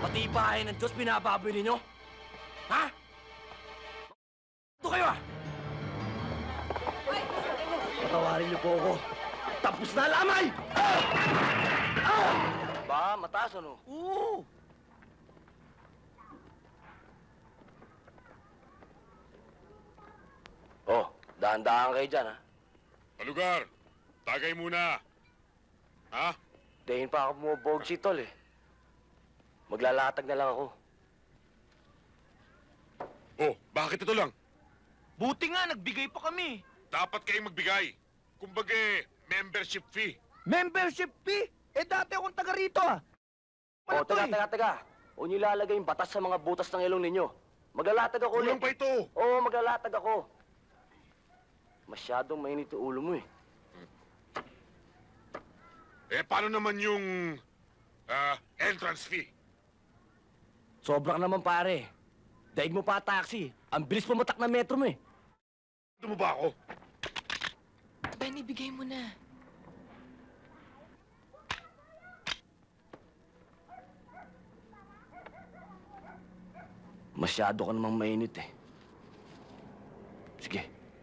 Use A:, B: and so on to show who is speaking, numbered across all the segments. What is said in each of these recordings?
A: Pati bahay ng Diyos binababoy ninyo? Ha? Ito kayo ah! Patawarin niyo po ako. Tapos na lamay! Ba, mataas ano? Oo! Oh, dahan-dahan kayo dyan ha.
B: Palugar, tagay muna. Ha?
A: Dahin pa ako bumubog si Tol eh. Maglalatag na lang ako.
B: Oh, bakit ito lang?
C: Buti nga, nagbigay pa kami.
B: Dapat kayong magbigay. Kumbaga, membership fee.
C: Membership fee? Eh, dati akong taga rito ah.
A: Oh, taga. Huwag niyo ilalagay yung batas sa mga butas ng ilong ninyo. Maglalatag ako ulit.
B: Kulang pa ito.
A: Oo, maglalatag ako. Masyadong mainit yung ulo mo eh.
B: Eh, paano naman yung entrance fee?
A: Sobra ka naman pare. Daig mo pa taxi. Ang bilis pumatak ng metro mo eh.
B: Ito mo ba ako?
D: Ben, ibigay mo na.
A: Masyado ka namang mainit eh. Sige.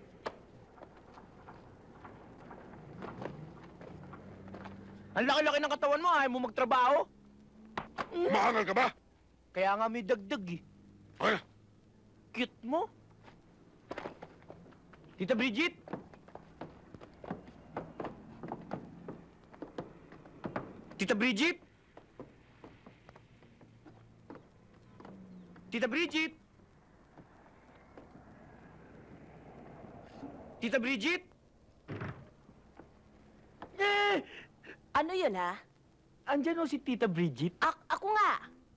C: Ang laki-laki ng katawan mo, ayaw mo magtrabaho.
B: Mahangal ka ba?
C: Kaya nga may dagdag eh.
B: Ay,
C: Cute mo. Tita Bridget? Tita Bridget? Tita Bridget? Tita Bridget?
E: Ano yun, ha?
C: Andyan o si Tita Bridget?
E: Ako nga.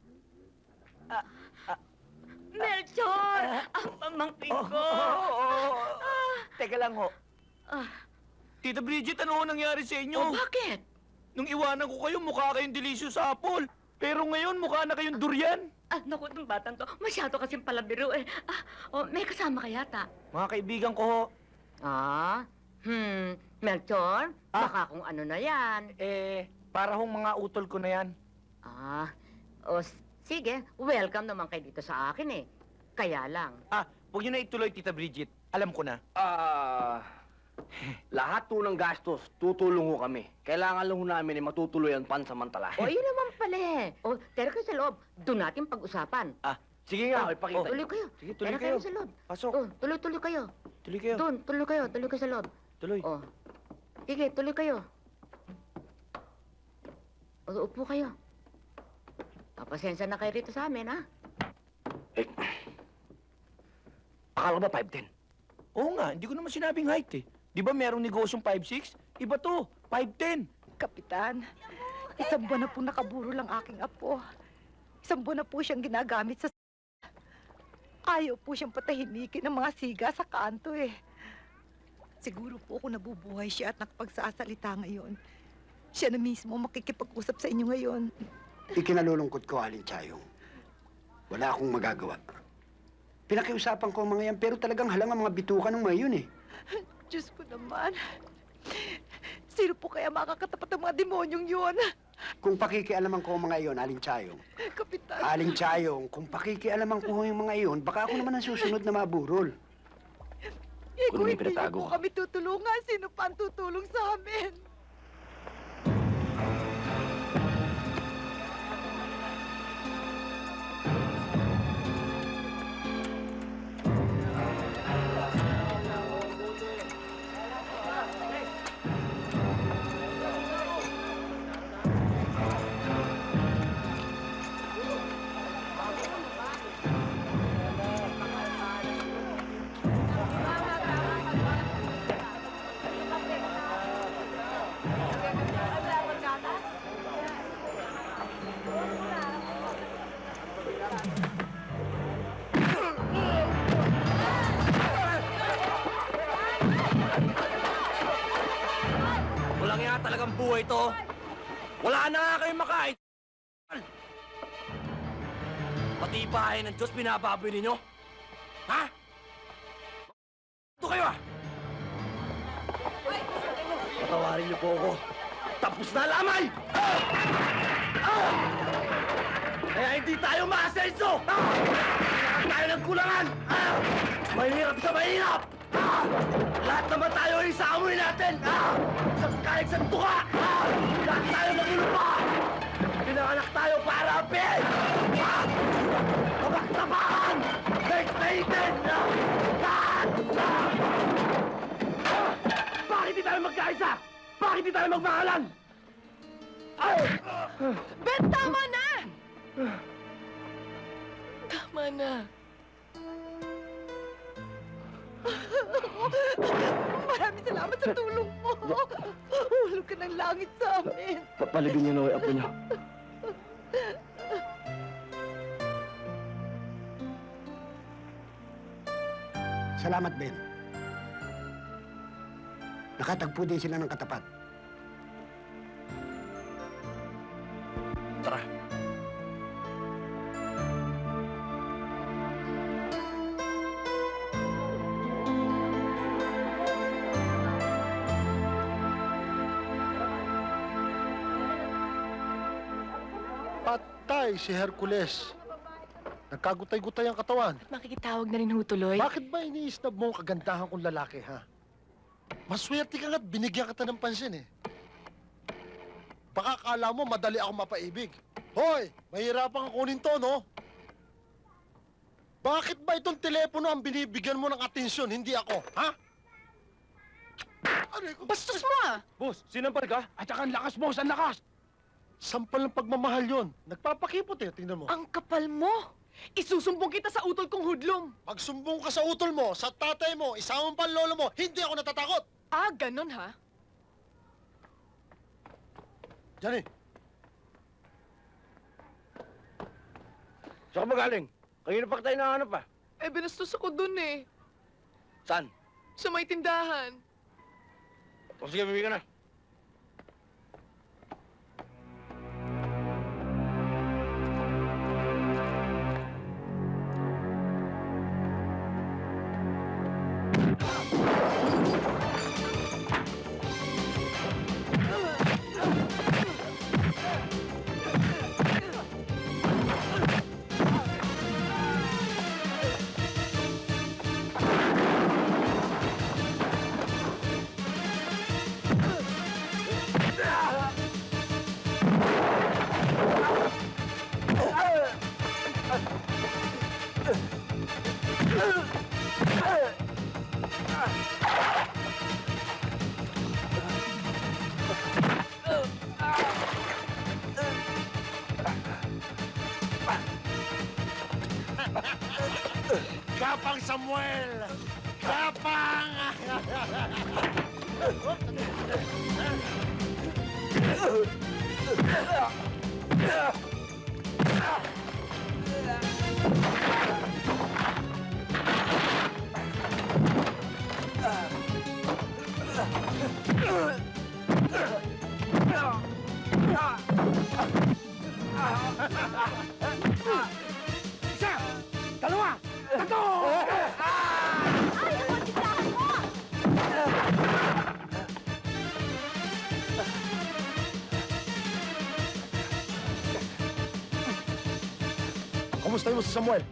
D: Melchor! Ang pamangkin ko!
C: Teka lang ho.
D: Ah.
C: Tita Bridget, ano ho nangyari sa inyo?
D: Oh, bakit?
C: Nung iwanan ko kayo, mukha kayong delicious apple. Pero ngayon, mukha na kayong durian.
D: Naku, itong batang to. Masyado kasing palabiro eh. May kasama ka yata.
C: Mga kaibigan ko ho,
D: Melchor? Baka kung ano na yan.
C: para hong mga utol ko na yan.
D: Sige. Welcome naman kayo dito sa akin eh. Kaya lang.
C: Huwag niyo na ituloy, Tita Bridget. Alam ko na.
A: Lahat po ng gastos, tutulong ho kami. Kailangan lang ho namin ay matutuloy ang pansamantala.
D: Yun naman pala eh. Tera kayo sa loob. Doon natin pag-usapan.
A: Sige nga, ipakita.
D: Tuloy kayo.
C: Sige, tuloy
D: Tera
C: kayo.
D: kayo sa loob.
C: Pasok.
D: Tuloy kayo.
C: Tuloy kayo.
D: Doon, tuloy kayo. Tuloy kayo sa loob.
C: Tuloy.
D: Sige, tuloy kayo. Upo kayo. Pasensya na kayo rito sa amin, ha?
A: Akala ba 5'10"?
C: Oo nga, hindi ko naman sinabing height eh. Di ba merong negosyong 5'6"? Iba to, 5'10".
E: Kapitan, isang buwan na po nakaburo lang aking apo. Isang buwan na po siyang ginagamit sa... Ayaw po siyang patahimikin ng mga siga sa kanto eh. Siguro po kung nabubuhay siya at nakapagsasalita ngayon, siya na mismo makikipag-usap sa inyo ngayon.
F: Ikinalulungkot ko, Aling Chayong. Wala akong magagawa. Pinakiusapan ko ang mga yan, pero talagang halang ang mga bituka ng mga yun eh.
E: Diyos ko naman. Sino po kaya makakatapat ang mga demonyong yun?
F: Kung pakikialaman ko ang mga iyon, Aling Chayong.
E: Kapitan.
F: Aling Chayong, kung pakikialaman ko yung mga iyon, baka ako naman ang susunod na maburol.
A: Kung may
E: Hindi
A: pinatago
E: po
A: ka.
E: kami tutulungan. Sino pa ang tutulong sa amin?
A: Walang nga talagang buhay to. Wala na nga kayong makain. Pati bahay ng Diyos binababoy ninyo? Ha? Ito kayo ah! Patawarin niyo po ako. Tapos na lamay! Kaya hindi tayo maasenso! Lahat tayo ng kulangan! Mahirap sa mahirap! Lahat naman tayo ay sa amoy natin! Isang kahit sa tuka! Lahat tayo nagulupa! Pinanganak tayo para apin! Tabak-tabakan! Daig-daigin! Bakit di tayo magkaisa? Bakit di tayo magmahalan?
G: Ben, tama na! Tama na.
E: Maraming salamat sa tulong mo. Hulog ka ng langit sa amin.
A: Papalagin niyo na yung apo niyo.
F: Salamat, Ben. Nakatagpo din sila ng katapat.
A: Tara.
H: Patay si Hercules. Nagkagutay-gutay ang katawan.
G: Makikitawag na rin ho tuloy.
H: Bakit ba iniisnab mo ang kagandahan kong lalaki, ha? Maswerte ka nga't binigyan kita ng pansin, eh. Baka akala mo madali ako mapaibig. Hoy, mahirapan kang kunin to, no? Bakit ba itong telepono ang binibigyan mo ng atensyon, hindi ako, ha? Aray ko!
G: Bastos mo ah!
C: Boss, sinampal ka? At saka ang lakas, boss, ang lakas!
H: Sampal ng pagmamahal yon. Nagpapakipot, eh. Tingnan mo.
G: Ang kapal mo! Isusumbong kita sa utol kong hudlom!
H: Magsumbong ka sa utol mo, sa tatay mo, isamang pa lolo mo, hindi ako natatakot!
G: Ah, ganon ha?
H: Johnny,
A: Saan ka magaling? Kanina pa tayo nahanap pa.
G: Eh, binastos ako dun eh.
A: Saan?
G: Sa may tindahan.
A: O sige, bibig ka na.
H: Kapang Samuel! Kapang!
A: Isa! Dalawa! Tatlo!
E: Ay, ako, titahan mo!
H: Kumusta mo si Samuel?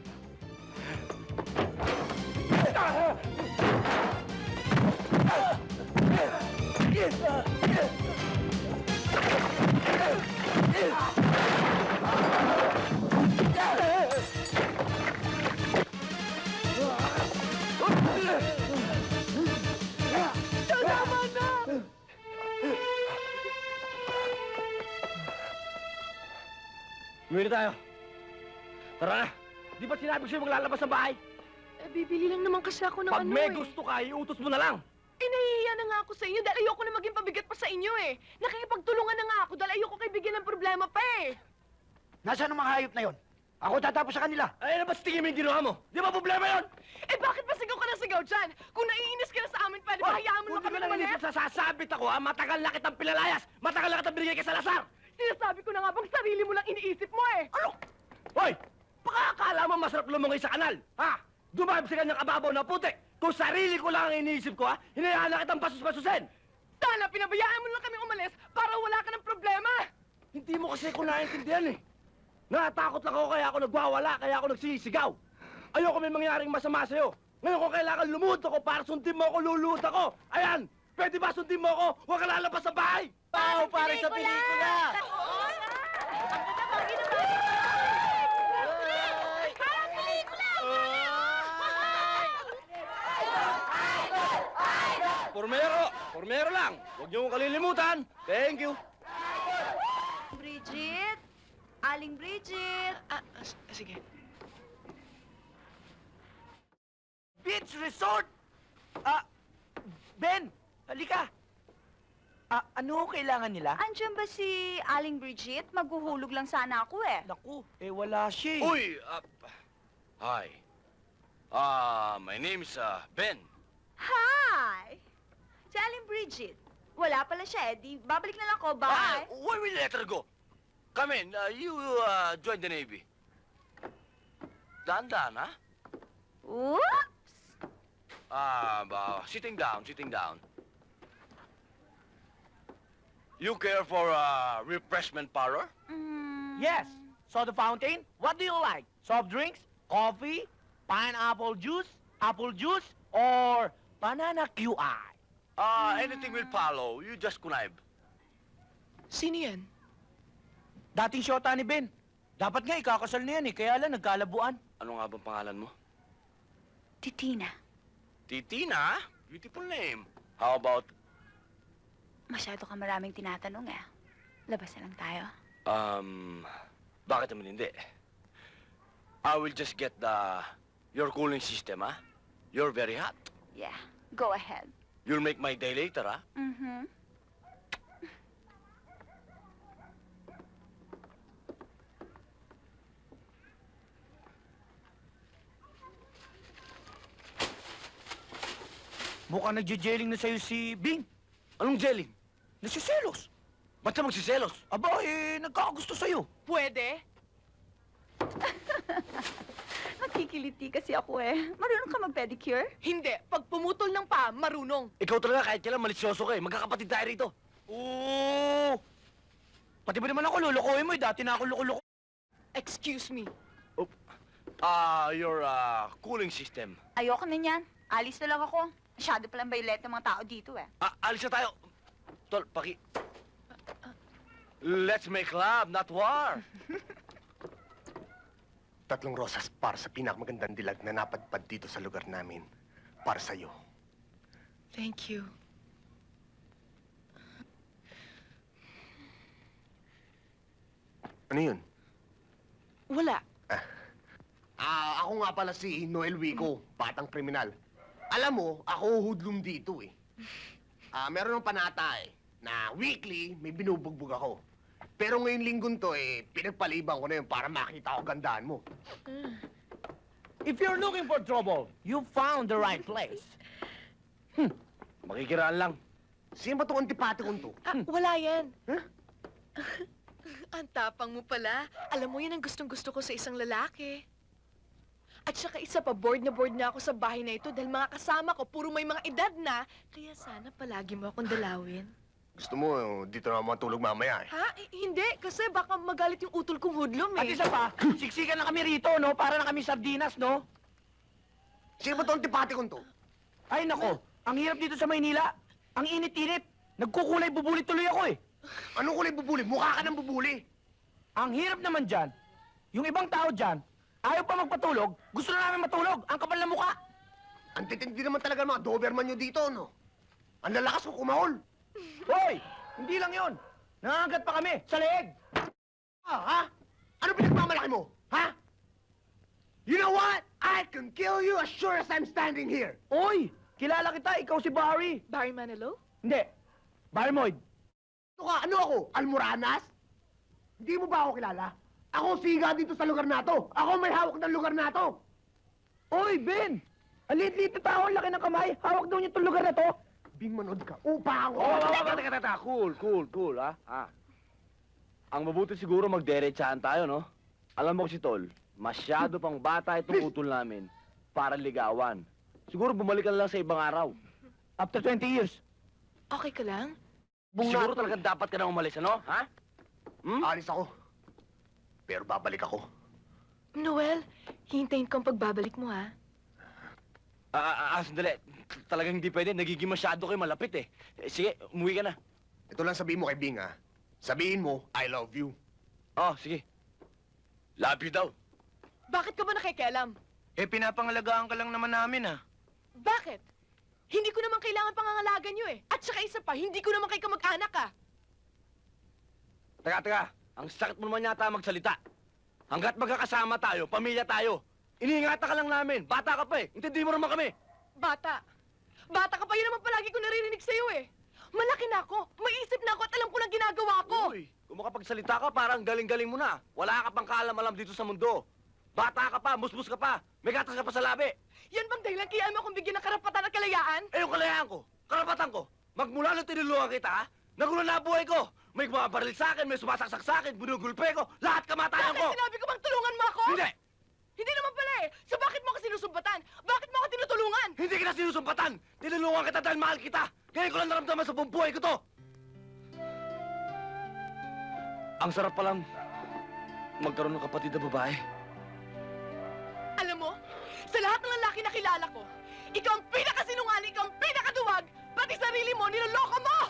A: Umuwi na tayo. Tara na. Di ba sinabi ko sa'yo maglalabas ng bahay?
G: Eh, bibili lang naman kasi ako ng
A: Pag
G: ano
A: may
G: eh.
A: gusto ka, iutos mo na lang.
G: Eh, nahihiya na nga ako sa inyo dahil ayoko na maging pabigat pa sa inyo eh. Nakikipagtulungan na nga ako dahil ayoko kayo bigyan ng problema pa eh.
F: Nasaan ang mga hayop na yon? Ako tatapos sa kanila.
A: Ay, ano ba tingin mo yung ginawa mo? Di ba problema yun?
G: Eh, bakit pa sigaw ka na sigaw dyan? Kung naiinis ka na sa amin, pwede ba hayaan mo
A: Kung
G: na
A: di
G: kami
A: ka nang
G: umalis?
A: inisip sa sasabit ako, ha? Matagal na kitang pinalayas. Matagal na kitang binigay kay Salazar.
G: Sinasabi ko na nga bang sarili mo lang iniisip mo eh.
A: Ano? Hoy! Baka akala mo masarap lumungay sa kanal, ha? Dumahib sa kanyang ababaw na putik. Kung sarili ko lang ang iniisip ko, ha? Hinayaan na kitang pasus-pasusin.
G: Sana pinabayaan mo lang kami umalis para wala ka ng problema.
A: Hindi mo kasi ko naintindihan, eh.
C: Natakot lang ako kaya ako nagwawala, kaya ako nagsisigaw. Ayoko may mangyaring masama sa'yo. Ngayon kung kailangan lumuhod ako para sundin mo ako, luluhod ako. Ayan! Pwede ba sundin mo ako? Huwag ka lalabas sa bahay! Pao, pare sa pelikula! Formero lang! Huwag niyo kong kalilimutan! Thank you!
I: Bridget? Aling Bridget?
C: Sige. Beach Resort! Ben! Halika! Ano kailangan nila?
I: Andiyan ba si Aling Bridget? Maghuhulog lang sana ako eh.
C: Naku, wala siya eh.
A: Uy! Hi. My name's Ben.
I: Hi! Si Aling Bridget. Wala pala siya eh. Di, babalik na lang ako. Bye!
A: Why will you let her go? Come in. You join the Navy. Dahan-dahan, ha?
I: Oops!
A: Sitting down, sitting down. You care for refreshment parlor?
C: Yes. Soda fountain? What do you like? Soft drinks? Coffee? Pineapple juice? Apple juice? Or banana QI?
A: Anything will follow. You just connive.
G: Sino yan?
C: Dating syota ni Ben. Dapat nga ikakasal na yan eh, kaya lang nagkalabuan.
A: Ano nga bang pangalan mo?
I: Titina.
A: Titina? Beautiful name. How about,
I: Masyado ka maraming tinatanong eh. Labas na lang tayo.
A: bakit naman hindi? I will just get your cooling system, ha? You're very hot.
I: Yeah, go ahead.
A: You'll make my day later, ha?
I: Mm-hmm.
C: Mukhang nagje-jelling na sa'yo si Bing.
A: Anong jelly?
C: Nasiselos.
A: Ba't siya magsiselos?
C: Aba, nagkakagusto sa'yo.
G: Pwede?
I: Nakikiliti kasi ako eh. Marunong ka mag-pedicure?
G: Hindi. Pag pumutol ng paa, marunong.
A: Ikaw talaga kahit kailan malisyoso ka eh. Magkakapatid tayo rito.
C: Oo. Pati ba naman ako lulukuhin mo eh. Dati na ako loko-loko.
G: Excuse me.
A: Your cooling system.
I: Ayoko na yan. Alis na lang ako. Masyado palang baylet ng mga tao dito eh.
A: Alis na tayo. Tol, Let's make love, not war.
H: 3 rosas para sa pinakamagandang dilag na napadpad dito sa lugar namin. Para sa'yo.
G: Thank you.
H: Ano yun?
G: Wala.
H: Ako nga pala si Noel Wico, batang kriminal. Alam mo, ako hudlum dito eh. Meron ng panata eh, na weekly may binubugbog ako. Pero ngayong linggon to eh, pinagpaliban ko na yun para makita ko gandaan mo.
C: If you're looking for trouble, you found the right place.
A: Makikiraan lang.
H: Sino ba itong antipati kong to?
G: Wala yan.
H: Huh?
G: Ang tapang mo pala. Alam mo, yan ang gustong-gusto ko sa isang lalaki. At saka isa pa, bored na ako sa bahay na ito dahil mga kasama ko, puro may mga edad na. Kaya sana palagi mo akong dalawin.
H: Gusto mo, dito na matulog mamaya eh.
G: Ha? Hindi, kasi baka magalit yung utol kong hudlom
C: At
G: eh.
C: isa pa, siksikan na kami rito, no? Para na kami sardinas, no?
H: Sino ba itong antipati kong to?
C: Ay, nako. Ang hirap dito sa Maynila. Ang init-init. Nagkukulay bubulit tuloy ako eh.
H: Anong kulay bubuli? Mukha ka ng bubuli.
C: Ang hirap naman dyan, yung ibang tao dyan, ayaw pa magpatulog, gusto na namin matulog. Ang kapal na mukha.
H: Ang titindi naman talaga ng mga Doberman nyo dito, no? Ang lalakas ko kumahol.
C: Hoy! Hindi lang yon. Nangangagat pa kami sa leeg.
H: Ha? Ano pinagmamalaki mo? Ha? You know what? I can kill you as sure as I'm standing here.
C: Oy! Kilala kita, ikaw si Barry.
G: Barry Manilow?
C: Hindi. Barry Moyd.
H: Ano ako? Almoranas? Hindi mo ba ako kilala? Ako siga dito sa lugar na to. Ako may hawak ng lugar na to.
C: Oy, Ben! Ang liit-liit na tao, ang laki ng kamay. Hawak daw niya itong lugar na to.
H: Bing manood ka. Upa ako.
A: Teka. Cool, ha? Ang mabuti siguro magderechahan tayo, no? Alam mo si Tol, masyado pang bata itong utol namin para ligawan. Siguro bumalik ka na lang sa ibang araw.
C: After 20 years.
G: Okay ka lang?
A: Siguro talaga dapat ka na umalis, ano? Ha?
H: Alis ako.
A: Pero babalik ako.
G: Noel, hihintayin ko ang pagbabalik mo, ha?
C: Sandali. Talagang hindi pwede. Nagiging masyado kayo malapit eh. Sige, umuwi ka na.
A: Ito lang sabihin mo kay Bing, ha? Sabihin mo, I love you.
C: Oh, sige. Love you daw.
G: Bakit ka ba nakikialam?
C: Eh, pinapangalagaan ka lang naman namin, ha?
G: Bakit? Hindi ko naman kailangan pangangalagan nyo eh. At saka isa pa, hindi ko naman kayo kamag-anak ah.
C: Teka. Ang sakit mo naman yata magsalita. Hanggat magkakasama tayo, pamilya tayo. Iniingatan ka lang namin. Bata ka pa eh. Intindi mo naman kami.
G: Bata. Bata ka pa, yun naman palagi ko naririnig sa'yo eh. Malaki na ako, may isip na ako at alam ko na ginagawa ko.
C: Uy, kung makapagsalita ka, parang galing-galing mo na. Wala ka pang kaalam-alam dito sa mundo. Bata ka pa, musmus ka pa, may gatas ka pa sa labi.
G: Yan bang dahilan kaya mo akong bigyan ng karapatan at kalayaan?
C: Eh, yung kalayaan ko, karapatan ko. Magmula nung tinulungan kita, ha? Nagulo na ang buhay ko. May bumabaril sa akin, may sumasaksak sa akin, binugulpe ko, lahat kamatayan ko.
G: Bakit sinabi ko bang tulungan mo ako?
C: Hindi!
G: Hindi naman pala eh. So bakit mo ako sinusumbatan? Bakit mo ako tinutulungan?
C: Hindi kita sinusumpatan! Tinulungan kita dahil mahal kita! Ngayon ko lang naramdaman sa buong buhay ko to! Ang sarap palang magkaroon ng kapatid na babae.
G: Alam mo, sa lahat ng lalaki na kilala ko, ikaw ang pinakasinungaling, ikaw ang pinakaduwag, pati sarili mo, niloloko mo!